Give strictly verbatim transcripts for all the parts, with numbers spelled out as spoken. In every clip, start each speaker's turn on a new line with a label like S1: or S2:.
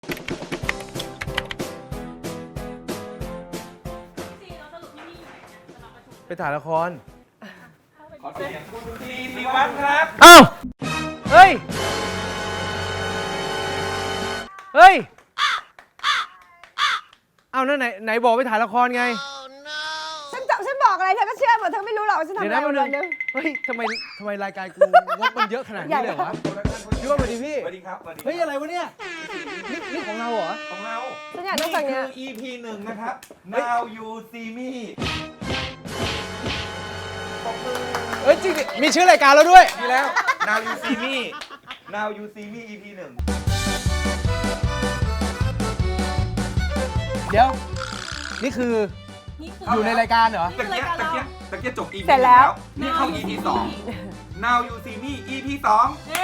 S1: ไปถ่ายละคร
S2: ขอเสียงคุณทีศิวัฒน์ครับ
S1: อ้าวเฮ้ยเฮ้ยเอานั่นไหนไหนบอกไปถ่ายละครไง
S3: ฉันฉันบอกอะไรเธอก็เชื่อหมดเธอไม่รู้หรอกฉันทำอะไรวันนึง
S1: เฮ้ยทำไมทำไมรายการกูงบมันเยอะขนาดนี้เลยวะพี่ว่าสวัสดีพี่
S2: สวัสดีครับ
S1: เฮ้ยอะไรวะเนี่ยนี่นี่ของเราเหรอ
S2: ของเรา
S3: ฉันอยากได้ฝั่งเนี้ย
S2: คือ อี พี หนึ่งนะครับ Now You See Me
S1: เฮ้ยจริงดิมีชื่อรายการแล้วด้วย
S2: มีแล้ว Now You See Me Now You See Me อี พี หนึ่ง
S1: เดี๋ยวนี่คืออยู่ในรายการเหรอ
S2: ตะเกียบตะเกียบตะเกียบจบ อี พี
S3: เสร็จแล้ว
S2: นี่เข้า อี พี สอง Now You See Me อี พี สอง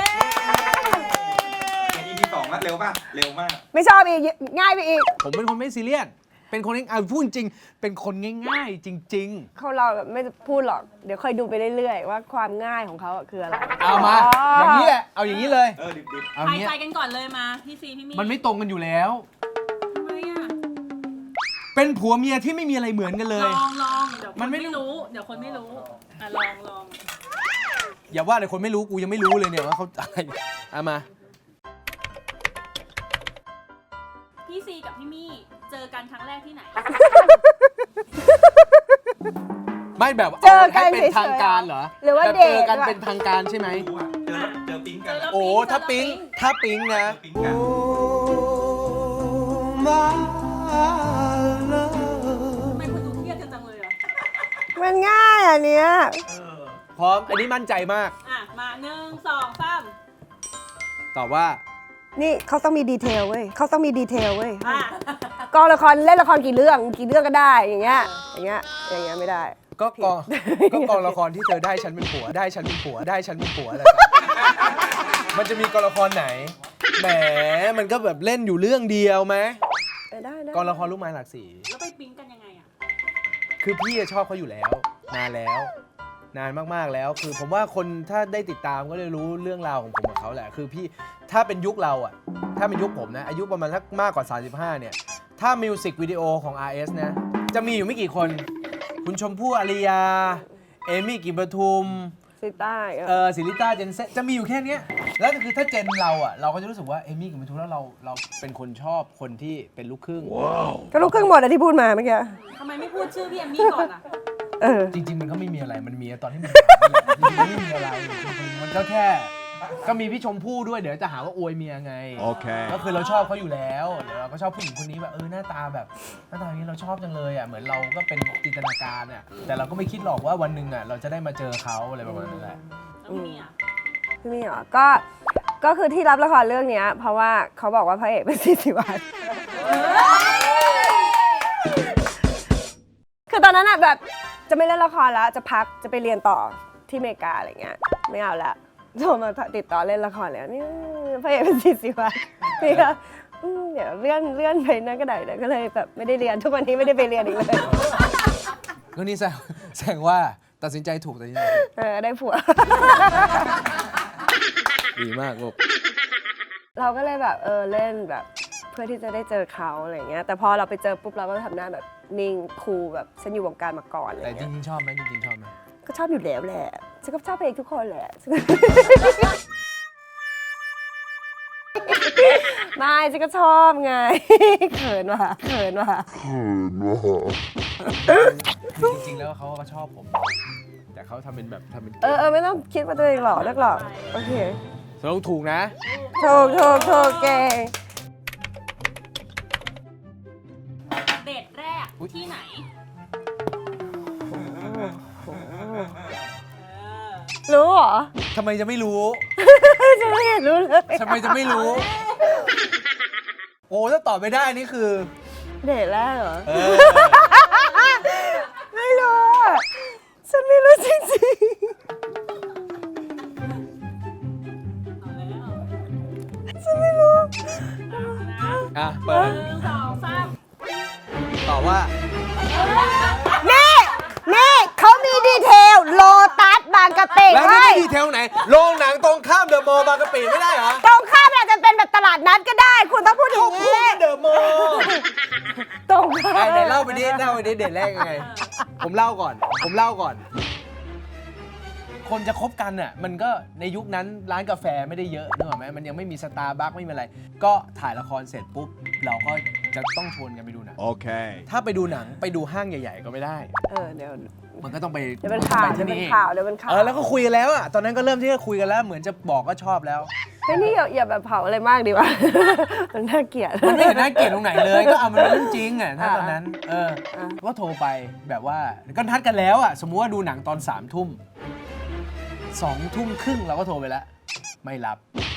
S2: อี พี สองแล้วเร็วป่ะเร็วมาก
S3: ไม่ชอบอีกง่ายไปอีก
S1: ผมเป็นคนไม่ซีเรียสเป็นคนเอาพูดจริงเป็นคนง่ายๆจริง
S3: ๆเขาเราไม่พูดหรอกเดี๋ยวค่อยดูไปเรื่อยๆว่าความง่ายของเขาคืออะไร
S1: เอามาอย่างนี้แหละเอาอย่างนี้เลย
S2: เออดิบๆ
S1: เอา
S4: ทายใจกันก่อนเลยมาพี่ซีพี่มี
S1: มันไม่ตรงกันอยู่แล้ว
S4: ทำไมอ่ะ
S1: เป็นผัวเมียที่ไม่มีอะไรเหมือนกันเลย
S4: ลองลองเดี๋ยวคนไม่รู้เดี๋ยวคนไม่รู้อ่ะลองลอง
S1: อย่าว่าแต่คนไม่รู้กูยังไม่รู้เลยเนี่ยว่าเขาอะไรเอามา
S4: พี่ซีกับพี่มี่เจอกันครั้งแรกที่ไหน
S1: ไม่แบบ
S3: เจอกัน
S1: เป็นทางการเหรอ
S3: หรือว่าเดท
S1: เจอกันเป็นทางการใช่ไหม
S2: เจอเจอปิ๊งกัน
S1: โอ้ถ้าปิ๊งถ้าปิ๊งนะ
S4: ทำไมคุณดูเครียดจังเลยอ่ะ
S3: มันง่ายอันเนี้ย
S1: พร้อมอันนี้มั่นใจมาก
S4: อ่ะมาหนึ่งสองสาม
S1: ตอบว่า
S3: นี่เขาต้องมีดีเทลเว้ยเขาต้องมีดีเทลเว้ยกองละครเล่นละครกี่เรื่องกี่เรื่องก็ได้อย่างเงี้ยอย่างเงี้ยอย่างเงี้ยไม่ได้
S1: ก็กองก็กองละครที่เธอได้ฉันเป็นผัวได้ฉันเป็นผัวได้ฉันเป็นผัวอะไรมันจะมีกองละครไหนแหมมันก็แบบเล่นอยู่เรื่องเดียวไหม
S3: ได้ได้
S1: กองละครลูกไม้หลากสี
S4: แล้วไปปิ๊งกันยังไงอ่ะ
S1: คือพี่ชอบเขาอยู่แล้วนานแล้วนานมากๆแล้วคือผมว่าคนถ้าได้ติดตามก็เลยรู้เรื่องราวของผมกับเขาแหละคือพี่ถ้าเป็นยุคเราอ่ะถ้าเป็นยุคผมนะอายุประมาณสักมากกว่าสามสิบห้าเนี่ยถ้ามิวสิกวิดีโอของ อาร์ เอส นะจะมีอยู่ไม่กี่คนคุณชมพู่อาริยาเอมี่กลิ่นประทุม
S3: ซิต้า
S1: เออศิริต้าเจนเซจะมีอยู่แค่นี้แล้วคือถ้าเจนเราอ่ะเราก็จะรู้สึกว่าเอมี่กลิ่นประทุมแล้วเราเราเป็นคนชอบคนที่เป็นลูกครึ่ง
S3: ก็ลูกครึ่งหมดอะที่พูดมาเมื่อกี้
S4: ทำไมไม่พูดชื่อพี่เอมมี่ก่อนอ่ะ
S3: เออ
S1: จริงๆมันก็ไม่มีอะไรมันมีตอนที่มันไม่มีอะไรจริงๆมันก็แค่ก็มีพี่ชมพู่ด้วยเดี๋ยวจะหาว่าอวยเมียไงโอเคก็คือเราชอบเขาอยู่แล้วเดี๋ยวเราก็ชอบผู้หญิงคนนี้แบบเออหน้าตาแบบหน้าตาอย่างนี้เราชอบจังเลยอ่ะเหมือนเราก็เป็นจินตนาการอ่ะแต่เราก็ไม่คิดหรอกว่าวันหนึ่งอ่ะเราจะได้มาเจอเขาอะไรประมาณนั้นแหละ
S4: พี่มี่อ่ะ
S3: พี่มี่เหรอก็ก็คือที่รับละครเรื่องนี้เพราะว่าเขาบอกว่าพระเอกเป็นซีศิวัฒน์คือตอนนั้นอ่ะแบบจะไม่เล่นละครแล้วจะพักจะไปเรียนต่อที่อเมริกาอะไรเงี้ยไม่เอาละโทรมาติดต่อเล่นละครแล้วนี่พระเอกเป็นซีศิวัฒน์นี่ก็เดี๋ยวเลื่อนเลื่อนไปนั่นก็ได้เลยก็เลยแบบไม่ได้เรียนทุกวันนี้ไม่ได้ไปเรียนอีกเลย
S1: ก็นี่แสดงแสดงว่าตัดสินใจถูกตัดสินใจ
S3: เออได้ผัว
S1: ดีมากลูก
S3: เราก็เลยแบบเออเล่นแบบเพื่อที่จะได้เจอเขาอะไรเงี้ยแต่พอเราไปเจอปุ๊บเราก็ทำหน้าแบบนิ่งคูลแบบฉันอยู่วงการมาก่อนอะไร
S1: แต่จ
S3: เงี้ย
S1: ริงๆชอบไหมจริงๆชอบไหม
S3: ก็ชอบอยู่แล้วแหละฉันก็ชอบเพลงทุกคนแหละไม่ฉันก็ชอบไงเขินว่ะเขินว่ะเขินว่ะ
S1: จริงๆแล้วเขาก็ชอบผมแต่เขาทำเป็นแบบทำเป็น
S3: เออเออไม่ต้องคิดว่าตัวเองหล่อนักหรอกโอเค
S1: ต้องถูกนะ
S3: ถูกถูกถูกเก่ง
S4: เดทแรกที่ไหน
S3: รู้เหรอ
S1: ทำไมจะไม่รู้
S3: จะไม่เห็นรู้เลย
S1: ทำไมจะไม่รู้โอ้ถ้าตอบไม่ได้นี่คือ
S3: เดทแรกเหรอไม่รู้ฉันไม่รู้จริงๆฉันไม่รู้
S1: อ่ะเปิด
S4: หนึ่งสองสาม
S1: ตอบว่า
S3: นี่นี่เขามีดีเทลโลตัสบางกะปิ
S1: แล้วนี่ดีเทลไหนโรงหนังตรงข้ามเดอะมอลล์บางกะปิไม่ได้เหรอ
S3: ตรงข้ามอาจจะเป็นแบบตลาดนัดก็ได้ คุณต้องพูดอย่างนี้
S1: เดอะมอลล์
S3: ตรง
S1: ไหนไหนเล่าไปดิเล่าไปดิเดทแรกยังไง ผมเล่าก่อน ผมเล่าก่อน คนจะคบกันน่ะมันก็ในยุคนั้นร้านกาแฟไม่ได้เยอะนึกออกไหมมันยังไม่มีสตาร์บัคไม่มีอะไร ก็ถ่ายละครเสร็จปุ๊บ เราก็จะต้องชวนกันไปดูหนัง
S5: Okay.
S1: ถ้าไปดูหนังไปดูห้างใหญ่ ๆ ก็ไม่ได้
S3: เออเดี๋ยว
S1: มันก็ต้องไป
S3: เดี๋ยวเป็นข่าว
S1: ไป
S3: เดี๋ยว
S1: ที่
S3: เป็น
S1: นี่
S3: ข่าวเดี๋ยวเป็นข่าว
S1: เออแล้วก็คุยกันแล้วอ่ะตอนนั้นก็เริ่มที่จะคุยกันแล้วเหมือนจะบอกก็ชอบแล้ว
S3: เฮ้ยนี่อย่าอย่าแบบเผาอะไรมากดีวะ มันน่าเกลียด
S1: มันไม่เห็นน่าเกลียดตรงไหนเลย ก็เอามันเป็นเรื่องจริงอ่ะถ้าตอนนั้น เออ
S3: อ่ะ
S1: ก็โทรไปแบบว่าก็นัดกันแล้วอ่ะสมมุติว่าดูหนังตอนสามทุ่มสองทุ่มครึ่งเราก็โทรไปแล้ว ไม่รับ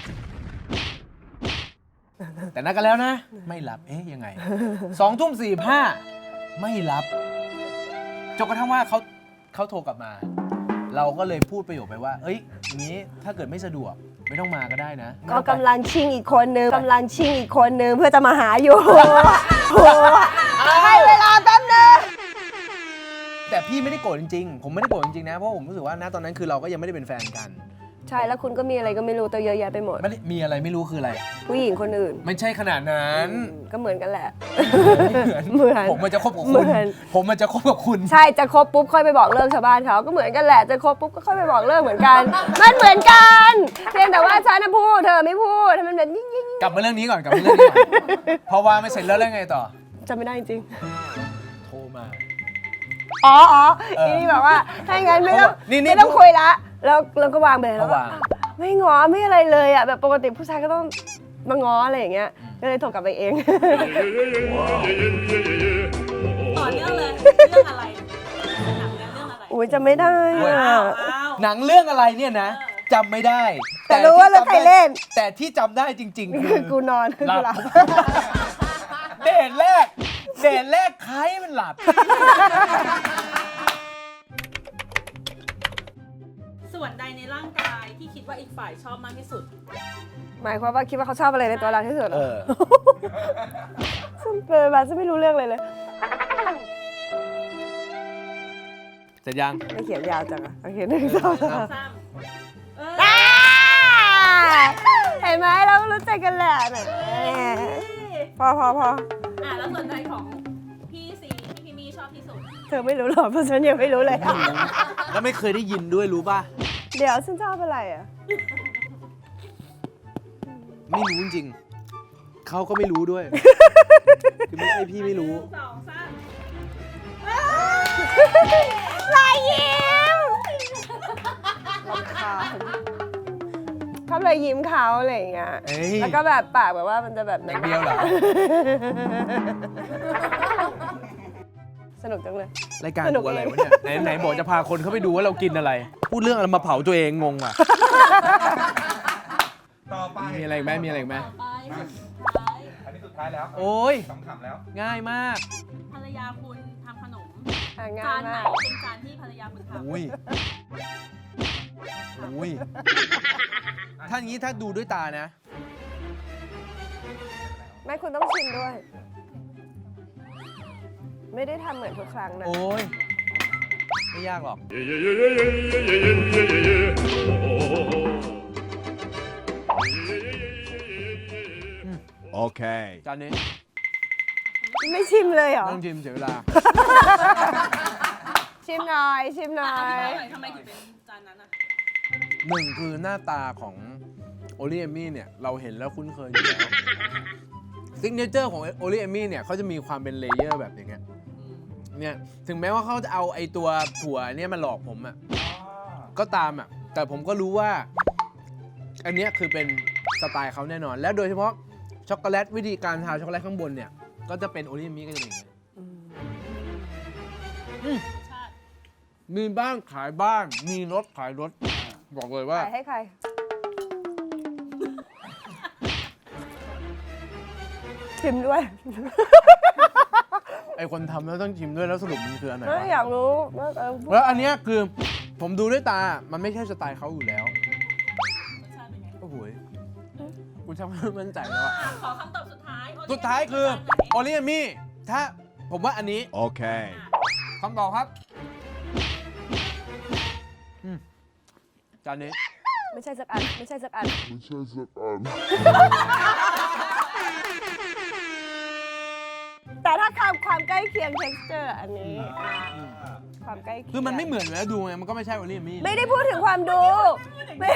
S1: แต่นัดกันแล้วนะ ไม่รับเอ๊ยยังไงสองทุ่มสี่ห้าไม่รับจนกระทั่งว่าเขาเขาโทรกลับมา เราก็เลยพูดประโยคไปว่า เอ้ยอย่างนี้ถ้าเกิดไม่สะดวกไม่ต้องมาก็ได้นะไม่
S3: ก็
S1: ต้องไป
S3: กำลังชิงอีกคนนึงกำลังชิงอีกคนนึงเพื่อจะมาหาอยู่ โหให้เวลาแป๊บนึง
S1: แต่พี่ไม่ได้โกรธจริงๆ ผมไม่ได้โกรธจริงๆนะ เพราะผมรู้สึกว่าณตอนนั้นคือเราก็ยังไม่ได้เป็นแฟนกัน
S3: ใช่แล้วคุณก็มีอะไรก็ไม่รู้ตัวเยอะแยะไปหมด
S1: ไม่ได้มีอะไรไม่รู้คืออะไร
S3: ผู้หญิงคนอื่น
S1: ไม่ใช่ขนาดนั้น
S3: ก็เหมือนกันแหละ
S1: เหมือน
S3: เหมือน
S1: ผมมันจะคบกับ
S3: เหมื
S1: คุณ
S3: อน
S1: ผมมันจะคบกับคุณ
S3: ใช่จะคบปุ๊บค่อยไปบอกเลิกชาวบ้านเขาก็เหมือนกันแหละจะคบปุ๊บก็ค่อยไปบอกเลิกเหมือนกัน มันเหมือนกันเพียงแต่ว่าฉันน่ะพูดเธอไม่พูดทำไมมันแบบยิ่งยิ่ง
S1: กลับมาเรื่องนี้ก่อนกลับมาเรื่องนี้ก่อนพอวางไม่เสร็จแล้วแล้วไงต่อ
S3: จำไม่ได้จริง
S1: โทรมา
S3: อ๋ออ๋อ
S1: เออ
S3: นี่แบบว่าถ้าอย่างนั้นไม่ต้อง
S1: นี่นี่
S3: ไม่ต้องคุยละแล้วเราก็วางไปแล้ว
S1: ก็วาง
S3: ไม่ง้อไม่อะไรเลยอ่ะแบบปกติผู้ชายก็ต้องมาง้ออะไรอย่างเงี้ยก็เลยโทรกลับไปเอง
S4: ต่อเนื่องเลย เรื่องอะไรหนังเนี่ยเรื่องอะไร
S3: อุ้ยจำไม่ได้
S1: โอ้ย
S3: อะ
S4: อ้าวอ้าว
S1: หนังเรื่องอะไรเนี่ยนะจำไม่ได้
S3: แต่รู้ว่าเรื่องใครเล่น
S1: แต่ที่จำได้จริง ๆ คื
S3: คือ อกูนอนคือ
S1: หลั
S3: กู
S1: บ
S3: หลับ
S1: เดทแรกเดทแรกใครมันหลับ
S4: ส่วนใดในร่างกายที่คิดว่าอีกฝ่ายชอบมากที่สุด
S3: หมายความว่าคิดว่าเขาชอบอะไรในตัวเราที่สุดเหร
S1: เอ
S3: อ
S1: อ
S3: ซึ่งเกิดมาจะไม่รู้เรื่องเลยเลย
S1: เสร็จยัง
S3: ไม่เขียนยาวจังอะโอเคหนึ่งสองสาม
S4: ซ้ำเออ
S3: อ่าเห็นไหมเรารู้ใจกันแหละเนี่ยพอพอพอ
S4: อ่ะแล้วส่วนใดของพี่ซีที่พี่มี่ชอบที่สุด
S3: เธอไม่รู้หรอกเพราะฉันยังไม่รู้เลย
S1: แล้วไม่เคยได้ยินด้วยรู้ป่ะ
S3: เดี๋ยวฉันชอบอะไรอ่ะ
S1: ไม่รู้จริงๆเขาก็ไม่รู้ด้วย คือไม่ใช่พี่ไม่รู้
S4: หนึ่งสองสาม
S3: รอยยิ้มเขาเลยยิ้มเขาอะไรอย่างเงี้ย
S1: เอ้ย
S3: แล้วก็แบบปากแบบว่ามันจะแบบ
S1: อย่างเดียวเหรอ
S3: สนุกจังเลย
S1: รายการ
S3: สนุก
S1: กูอะไร
S3: เอง
S1: วะเนี่ยไหนไหนบอกจะพาคนเขาไปดูว่าเรากินอะไร พูดเรื่องอะไรมาเผาตัวเองงงอ่ะ
S2: ต่อไป
S1: มีอะไรอีกไหมมีอะไรอีกไหม
S4: ต่อไปสุดท้าย
S2: อันนี้สุดท้ายแล้ว
S1: โอ้ย
S2: ขำๆแล้ว
S1: ง่ายมาก
S4: ภรรยาคุณทำขนม
S3: อ่ะง่า
S4: จาย นไหน
S3: มาก
S4: เป็นจานที่ภรรยาคุณทำ
S1: อุ้ยอุ้ยถ้าอย่างนี้ถ้าดูด้วยตานะ
S3: ไม่คุณต้องชิมด้วย ไม่ได้ทำเหมือนทุกครั้งนะ
S1: โอ้ย ไม่ยากหรอก
S5: Okay.
S1: จานนี้
S3: ไม่ชิมเลยเหรอ
S1: ไม่ต้องชิมเสียเวลา
S3: ชิมหน่อย ชิมหน่อ
S4: อธิ
S3: ย
S4: บายหน่อยทำไมถึงเป็นจานนั้นอ่ะ
S1: หนึ่งคือหน้าตาของโอลิเอมี่เนี่ย เราเห็นแล้วคุ้นเคยอยู่แล้วซิกเนเจอร์ของโอลิเอมี่เนี่ยเขาจะมีความเป็นเลเยอร์แบบอย่างเงี้ยเนี่ยถึงแม้ว่าเขาจะเอาไอตัวถั่วเนี่ยมาหลอกผมอะ่ะก็ตามอะ่ะแต่ผมก็รู้ว่า อันเนี้ยคือเป็นสไตล์เขาแน่นอน แล้วโดยเฉพาะช็อกโกแลตวิธีการทาช็อกโกแลตข้างบนเนี่ย ก็จะเป็นโอลิเอมี่ก็จะเป็นอย่างเงี้ย
S4: ชาติ
S1: มีบ้านขายบ้าน มีรถขายรถ บอกเลยว่า
S3: ขายให้ใคร ชิมด้วย
S1: ไอคนทำแล้วต้องชิมด้วยแล้วสรุปมันคืออันไหน
S3: เออ
S1: วะ
S3: อยากรู้ว่าเออ
S1: แล้วอันเนี้ยคือผมดูด้วยตา มันไม่ใช่สไตล์เขาอยู่แล้ว
S4: รสชาติเป็นไง
S1: โอ้โหยกูชักไม่มั่นใจแล้วอะ
S4: อ่ะขอคำตอบสุดท้ายโอเค
S1: สุดท้ายคือ
S4: จานไหน
S1: โอลิเอมี่ถ้าผมว่าอันนี้
S5: Okay.
S1: คำตอบครับอืมจานนี้
S3: ไม่ใช่สักอันไม่ใช่สักอัน แต่ถ้าความความใกล้เคียง texture อันนี้ความใกล้เคียง
S1: คือมันไม่เหมือนอยู่แล้วดูไงมันก็ไม่ใช่วอลลี่มี่
S3: ไม่ได้พูดถึงความดูไม่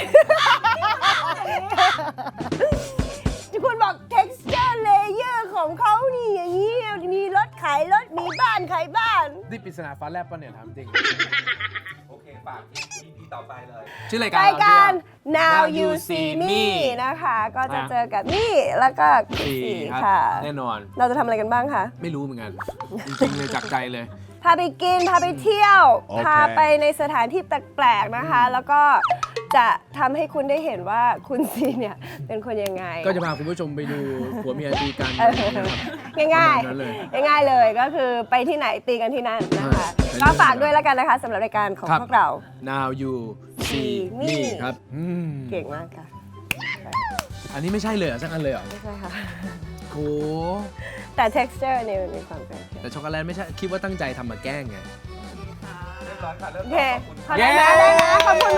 S3: ที่คุณบอก texture layer ของเขานี่อย่างนี้มีรถขายรถมีบ้านขายบ้าน
S1: นี่ปริศนาฟ้าแลบปะเนี่ยถามจริง
S2: โอเคฝาก อี พี ต่อไปเลย
S1: ชื่อรายการ
S3: รายการ
S1: เ
S3: now you see me นะคะ ก็จะเจอกับนี่แล้วก็คุณ
S1: สี่
S3: สี่
S1: ครับ
S3: ค่ะ
S1: แน่นอน
S3: เราจะทำอะไรกันบ้างคะ
S1: ไม่รู้เหมือนกัน จริงๆเลยจากใจเลย
S3: พาไปกิน พาไปเที่ยว
S1: โอเค
S3: พาไปในสถานที่แปลกๆนะคะ แล้วก็จะทำให้คุณได้เห็นว่าคุณซีเนี่ยเป็นคนยังไง
S1: ก็จะพาคุณผู้ชมไปดูผัวเมียตีกัน
S3: เออ ง่าย
S1: ประมาณนั้นเลย
S3: ๆง่ายๆเลยก็คือไปที่ไหนตีกันที่นั่นนะคะ
S1: ใช่
S3: ก็ฝากด้วยแล้วกันนะคะสำหรับรายการของ
S1: ครับ
S3: พวกเรา
S1: now you see me ครับอืม
S3: เก่งมากค่ะ
S1: อันนี้ไม่ใช่เลยเหรอสักอันเลยเหรอ
S3: ไม่ใช่ค่ะ
S1: โห
S3: แต่ texture เนี่ยมันมีความใกล้เคียง
S1: แต่ช็อกโกแลตไม่ใช่ คิดว่าตั้งใจทำมาแกล้งไง
S2: เรียบร้อยค่ะเริ่ม
S3: โอเค
S2: ขอบคุณ
S3: ขอบคุณนะได้นะขอบคุณ